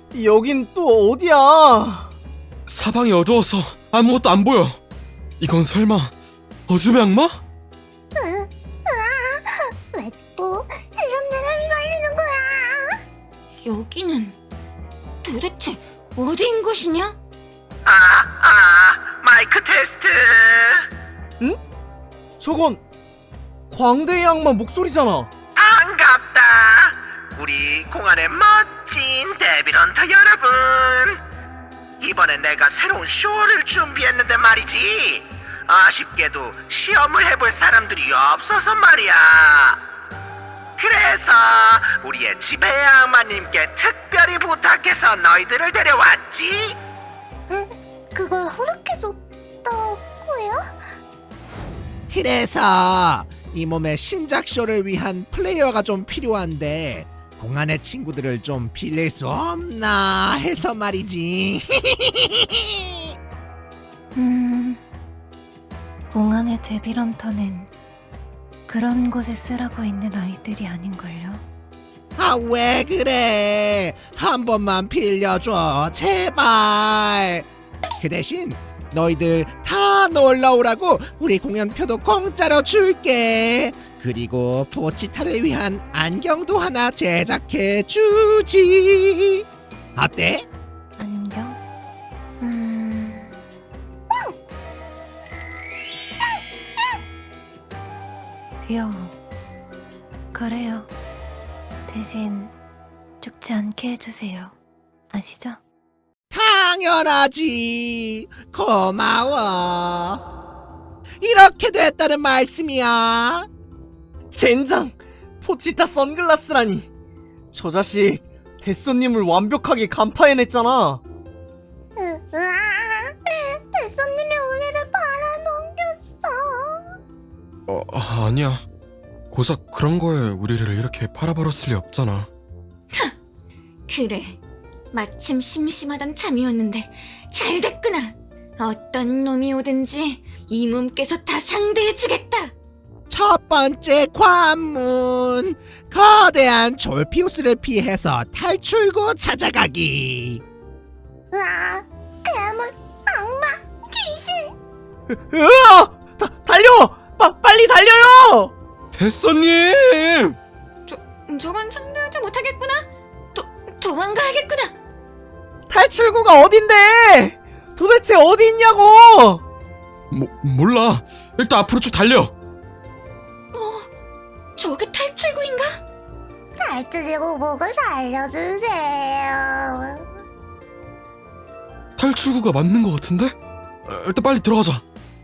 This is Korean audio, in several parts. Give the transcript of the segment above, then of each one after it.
여긴 또 어디야? 사방이 어두워서 아무것도 안 보여. 이건 설마 어둠의 악마? 왜 또 이런 데를 휘말리는 거야? 여기는 도대체 어디인 것이냐? 마이크 테스트. 응? 저건 광대의 악마 목소리잖아. 반갑다. 우리 공안의 멋진 데빌런터 여러분. 이번엔 내가 새로운 쇼를 준비했는데 말이지. 아쉽게도 시험을 해볼 사람들이 없어서 말이야. 그래서 우리의 지배의 악마님께 특별히 부탁해서 너희들을 데려왔지. 그걸 허락해줬다고요? 그래서 이 몸의 신작 쇼를 위한 플레이어가 좀 필요한데 공안의 친구들을 좀 빌릴 수 없나 해서 말이지. 공안의 데빌런터는 그런 곳에 쓰라고 있는 아이들이 아닌걸요? 아, 왜 그래? 한 번만 빌려줘, 제발. 그 대신 너희들 다 놀러오라고 우리 공연표도 공짜로 줄게. 그리고 포치타를 위한 안경도 하나 제작해 주지. 어때? 안경? 귀여워. 그래요. 대신 죽지 않게 해주세요. 아시죠? 당연하지. 고마워. 이렇게 됐다는 말씀이야. 젠장! 포치타 선글라스라니. 저 자식 데쏘님을 완벽하게 간파해냈잖아. 대선님이 우리를 팔아넘겼어. 아니야. 고작 그런 거에 우리를 이렇게 팔아버렸을 리 없잖아. 그래, 마침 심심하던 참이었는데 잘 됐구나. 어떤 놈이 오든지 이 몸께서 다 상대해주겠다. 첫 번째 관문. 거대한 졸피우스를 피해서 탈출구 찾아가기. 괴물, 악마, 귀신. 으아! 달려! 빨리 달려요! 데쏘님! 저건 상대하지 못하겠구나. 도망가야겠구나. 탈출구가 어딘데? 도대체 어디 있냐고! 몰라. 일단 앞으로 쭉 달려. 저게 탈출구인가? 탈출구 보고 살려주세요. 탈출구가 맞는 것 같은데? 일단 빨리 들어가자.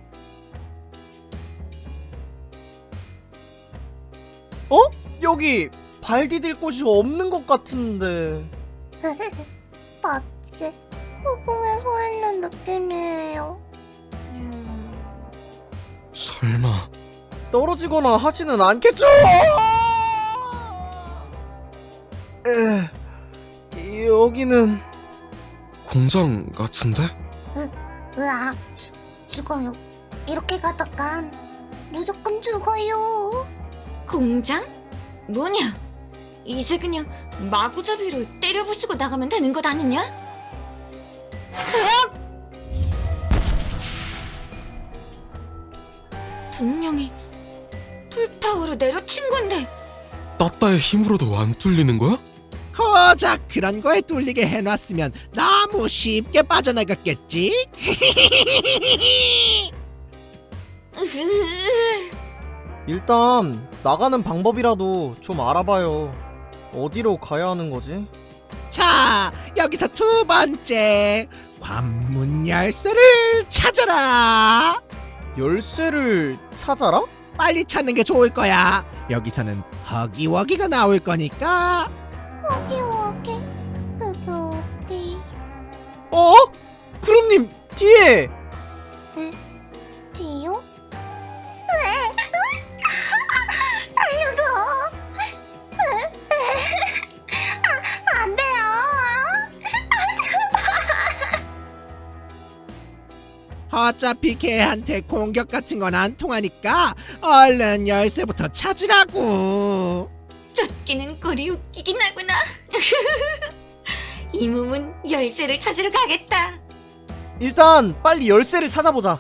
어? 여기 발 디딜 곳이 없는 것 같은데. 마치 허공에 서 있는 느낌이에요. 설마 떨어지거나 하지는 않겠죠? 여기는 공장 같은데? 으악, 죽어요. 이렇게 가다간 무조건 죽어요. 공장? 뭐냐? 이제 그냥 마구잡이로 때려 부수고 나가면 되는 것 아니냐? 분명히 풀파워로 내려친 건데. 따따의 힘으로도 안 뚫리는 거야? 고작 그런 거에 뚫리게 해놨으면 너무 쉽게 빠져나갔겠지? 일단 나가는 방법이라도 좀 알아봐요. 어디로 가야 하는 거지? 자, 여기서 두 번째 관문 열쇠를 찾아라. 열쇠를 찾아라? 빨리 찾는 게 좋을 거야. 여기서는 허기워기가 나올 거니까. 허기허기, 그게 어디? 어? 구름님 뒤에! 뒤요? 살려줘! 안 돼요! 어차피 걔한테 공격 같은 건 안 통하니까 얼른 열쇠부터 찾으라고. 쫓기는 꼴이 웃기긴 하구나. 이 몸은 열쇠를 찾으러 가겠다. 일단 빨리 열쇠를 찾아보자.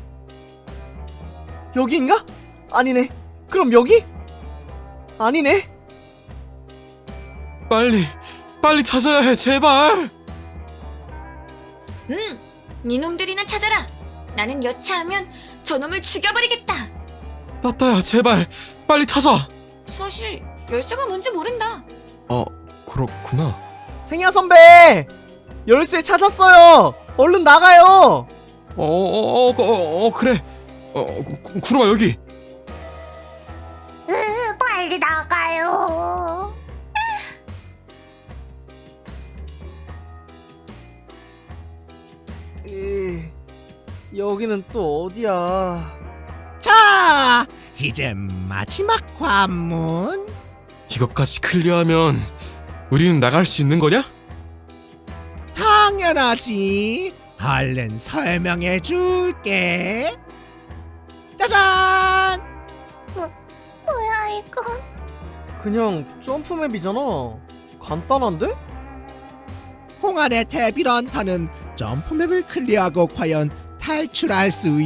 여기인가? 아니네. 그럼 여기? 아니네. 빨리 찾아야 해, 제발. 니놈들이나 찾아라. 나는 여차하면 저놈을 죽여버리겠다. 따따야, 제발 빨리 찾아. 사실 열쇠가 뭔지 모른다. 그렇구나. 생야 선배! 열쇠 찾았어요! 얼른 나가요! 그래. 구름아, 여기. 빨리 나가요. 여기는 또 어디야? 자, 이제 마지막 관문. 이것까지 클리어하면 우리는 나갈 수 있는 거냐? 당연하지. 얼른 설명해 줄게. 짜잔! 뭐야 이건? 그냥 점프맵이잖아. 간단한데? 공안의 데빌런터는 점프맵을 클리어하고 과연 탈출할 수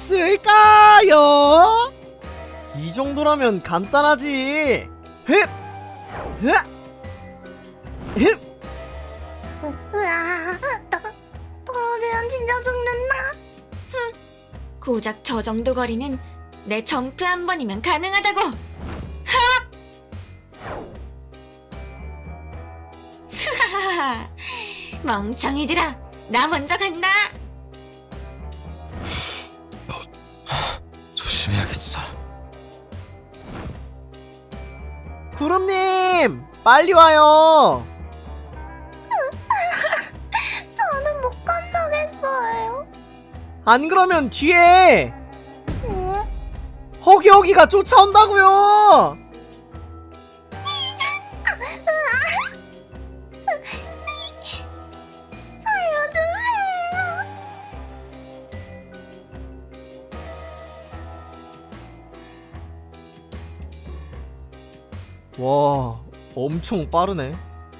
있을까요? 이 정도라면 간단하지. 헥! 헥! 헥! 으아, 떨어지면 진짜 죽는다. 고작 저 정도 거리는 내 점프 한 번이면 가능하다고. 하하하. 멍청이들아, 나 먼저 간다. 조심해야겠어. 구름님! 빨리 와요! 저는 못 건너겠어요. 안 그러면 뒤에 응? 허기허기가 쫓아온다고요! 살려주세요. 와, 엄청 빠르네.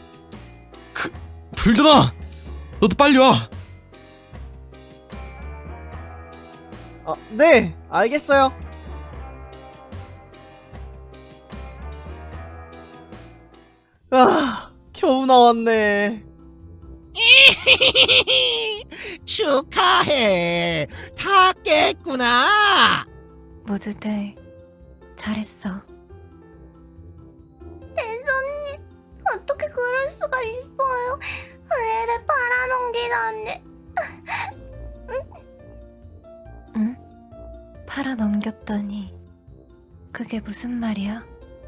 불더나, 너도 빨리 와. 네, 알겠어요. 겨우 나왔네. 축하해. 다 깼구나. 모두들 잘했어. 대선님, 어떻게 그럴 수가 있어요? 의뢰를 팔아넘기다니. 응? 팔아 넘겼다니. 그게 무슨 말이야?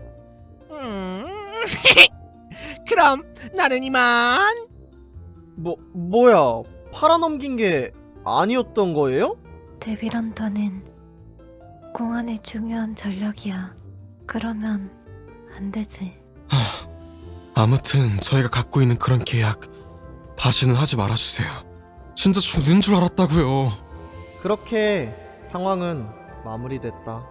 그럼 나는 이만. 뭐야? 팔아넘긴 게 아니었던 거예요? 데빌런터는 공안의 중요한 전력이야. 그러면 안 되지. 아무튼 저희가 갖고 있는 그런 계약 다시는 하지 말아주세요. 진짜 죽는 줄 알았다고요. 그렇게 상황은 마무리됐다.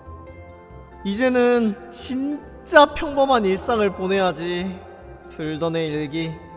이제는 진짜 평범한 일상을 보내야지. 불던의 일기